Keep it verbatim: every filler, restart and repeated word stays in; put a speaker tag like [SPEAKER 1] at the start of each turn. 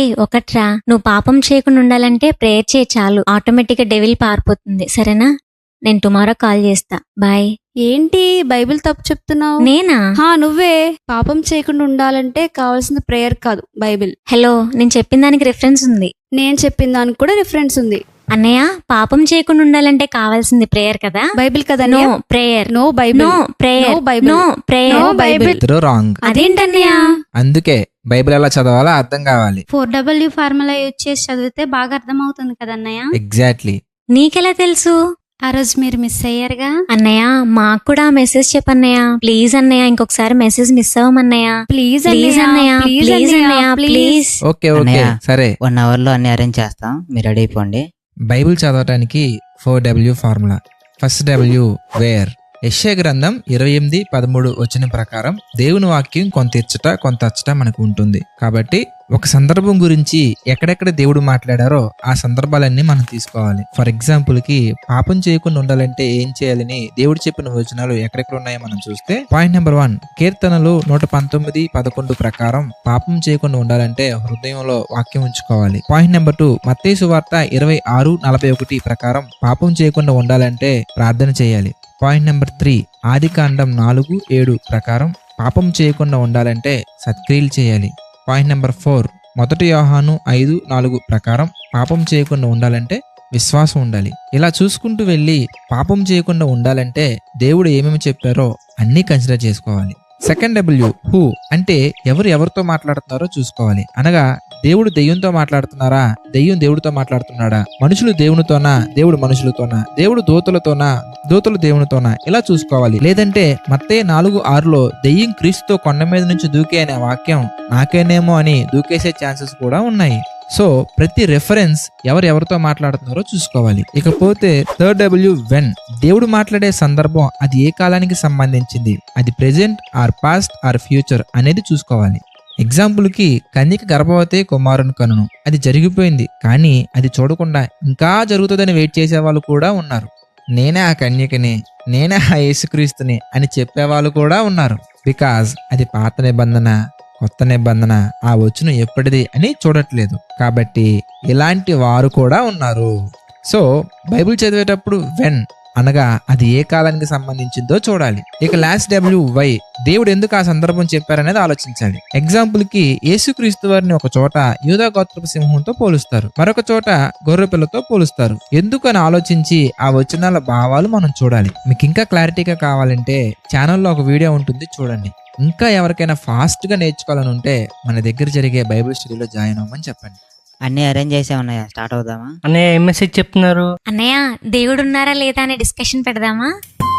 [SPEAKER 1] రేయ్ ఒకట్రా, నువ్వు పాపం చేయకుండా ఉండాలంటే ప్రేయర్ చేయి చాలు, ఆటోమేటిక్ గా డెవిల్ పారిపోతుంది. సరేనా? నేను టుమారో కాల్ చేస్తా. బాయ్.
[SPEAKER 2] ఏంటి బైబిల్ తప్పు చెప్తున్నావు?
[SPEAKER 1] నేనా?
[SPEAKER 2] హా నువ్వే. పాపం చేయకుండా ఉండాలంటే కావాల్సిన ప్రేయర్ కాదు బైబిల్.
[SPEAKER 1] హలో, నేను చెప్పిన దానికి రిఫరెన్స్ ఉంది.
[SPEAKER 2] నేను చెప్పిన దానికి కూడా రిఫరెన్స్ ఉంది.
[SPEAKER 1] అన్నయ్య, పాపం చేయకుండా ఉండాలంటే కావాల్సింది ప్రేయర్ కదా.
[SPEAKER 2] బైబిల్ కదా.
[SPEAKER 1] No prayer.
[SPEAKER 2] No Bible.
[SPEAKER 1] No prayer.
[SPEAKER 2] No Bible.
[SPEAKER 1] No prayer.
[SPEAKER 2] No Bible.
[SPEAKER 3] ఇద్దరు రాంగ్.
[SPEAKER 1] అదేంటన్నయ్య?
[SPEAKER 3] అందుకే బైబిల్ ఎలా చదవాలో అర్థం కావాలి.
[SPEAKER 4] ఫోర్ డబ్ల్యూ ఫార్ములా యూజ్ చేసి చదివితే బాగా అర్థం అవుతుంది కదన్నయ్య.
[SPEAKER 3] ఎగ్జాక్ట్లీ.
[SPEAKER 1] నీకెలా తెలుసు?
[SPEAKER 4] ఆ రోజు మీరు మిస్ అయ్యారుగా.
[SPEAKER 1] అన్నయ్య, మాకు కూడా మెసేజ్ చెప్పన్నయ్య. ప్లీజ్ అన్నయ్య, ఇంకొకసారి మెసేజ్ మిస్ అవ్వమన్నయ్య.
[SPEAKER 2] ప్లీజ్
[SPEAKER 1] ప్లీజ్ అన్నయ్య, ప్లీజ్ అన్నయ్య, ప్లీజ్.
[SPEAKER 3] ఓకే ఓకే
[SPEAKER 5] అన్నయ్య.
[SPEAKER 3] సరే.
[SPEAKER 5] వన్ అవర్ లో అన్ని అరేంజ్ చేస్తాం, మీరు రెడీ అయిపోండి.
[SPEAKER 3] బైబిల్ చదవటానికి four W formula. First W where. యెషయా గ్రంథం ఇరవై ఎనిమిది పదమూడు వచ్చిన ప్రకారం దేవుని వాక్యం కొంత ఇచ్చట కొంత అచ్చట మనకు ఉంటుంది. కాబట్టి ఒక సందర్భం గురించి ఎక్కడెక్కడ దేవుడు మాట్లాడారో ఆ సందర్భాలన్నీ మనం తీసుకోవాలి. ఫర్ ఎగ్జాంపుల్ కి పాపం చేయకుండా ఉండాలంటే ఏం చేయాలని దేవుడు చెప్పిన వచనాలు ఎక్కడెక్కడ ఉన్నాయో మనం చూస్తే, పాయింట్ నెంబర్ వన్, కీర్తనలు నూట పంతొమ్మిది పదకొండు ప్రకారం పాపం చేయకుండా ఉండాలంటే హృదయంలో వాక్యం ఉంచుకోవాలి. పాయింట్ నెంబర్ టూ, మత్తయి సువార్త ఇరవై ఆరు నలభై ఒకటి ప్రకారం పాపం చేయకుండా ఉండాలంటే ప్రార్థన చేయాలి. పాయింట్ నెంబర్ త్రీ, ఆది కాండం నాలుగు ఏడు ప్రకారం పాపం చేయకుండా ఉండాలంటే సత్క్రియలు చేయాలి. పాయింట్ నెంబర్ ఫోర్, మొదటి యోహాను ఐదు నాలుగు ప్రకారం పాపం చేయకుండా ఉండాలంటే విశ్వాసం ఉండాలి. ఇలా చూసుకుంటూ వెళ్ళి పాపం చేయకుండా ఉండాలంటే దేవుడు ఏమేమి చెప్పారో అన్నీ కన్సిడర్ చేసుకోవాలి. సెకండ్ డబ్ల్యూ హూ అంటే ఎవరు ఎవరితో మాట్లాడుతున్నారో చూసుకోవాలి. అనగా దేవుడు దెయ్యంతో మాట్లాడుతున్నారా, దెయ్యం దేవుడితో మాట్లాడుతున్నాడా, మనుషులు దేవునితోనా, దేవుడు మనుషులతోనా, దేవుడు దూతలతోనా, దూతలు దేవునితోనా, ఇలా చూసుకోవాలి. లేదంటే మత్తయి నాలుగు ఆరులో దెయ్యం క్రీస్తుతో కొండ మీద నుంచి దూకే అనే వాక్యం నాకేనేమో అని దూకేసే ఛాన్సెస్ కూడా ఉన్నాయి. సో ప్రతి రెఫరెన్స్ ఎవరు ఎవరితో మాట్లాడుతున్నారో చూసుకోవాలి. ఇకపోతే థర్డ్ డబ్ల్యూ వెన్. దేవుడు మాట్లాడే సందర్భం అది ఏ కాలానికి సంబంధించింది, అది present or past or future అనేది చూసుకోవాలి. ఎగ్జాంపుల్ కి కన్యక గర్భవతి కుమారుని కనును, అది జరిగిపోయింది, కానీ అది చూడకుండా ఇంకా జరుగుతుందని వెయిట్ చేసే వాళ్ళు కూడా ఉన్నారు. నేనే ఆ కన్యకని, నేనే ఆ యేసుక్రీస్తుని అని చెప్పేవాళ్ళు కూడా ఉన్నారు. బికాజ్ అది పాత నిబంధన, కొత్త నిబంధన, ఆ వచనం ఎప్పటిది అని చూడట్లేదు. కాబట్టి ఇలాంటి వారు కూడా ఉన్నారు. సో బైబిల్ చదివేటప్పుడు వెన్ అనగా అది ఏ కాలానికి సంబంధించిందో చూడాలి. ఇక లాస్ట్ డబ్ల్యూ వై, దేవుడు ఎందుకు ఆ సందర్భం చెప్పారనేది ఆలోచించాలి. ఎగ్జాంపుల్ కి యేసుక్రీస్తు వారిని ఒక చోట యూదా గోత్రపు సింహంతో పోలుస్తారు, మరొక చోట గొర్రె పిల్లతో పోలుస్తారు. ఎందుకు అని ఆలోచించి ఆ వచనాల భావాలు మనం చూడాలి. మీకు ఇంకా క్లారిటీగా కావాలంటే ఛానల్లో ఒక వీడియో ఉంటుంది, చూడండి. ఇంకా ఎవరికైనా ఫాస్ట్ గా నేర్చుకోవాలని ఉంటే మన దగ్గర జరిగే బైబిల్ స్టడీలో జాయిన్ అవ్వమని చెప్పండి.
[SPEAKER 5] అన్ని అరేంజ్ చేసే ఉన్నాయా, స్టార్ట్ అవుదామా?
[SPEAKER 6] అన్నయ్య ఏం మెసేజ్ చెప్తున్నారు?
[SPEAKER 1] అన్నయ్య, దేవుడు ఉన్నారా లేదా అనే డిస్కషన్ పెడదామా?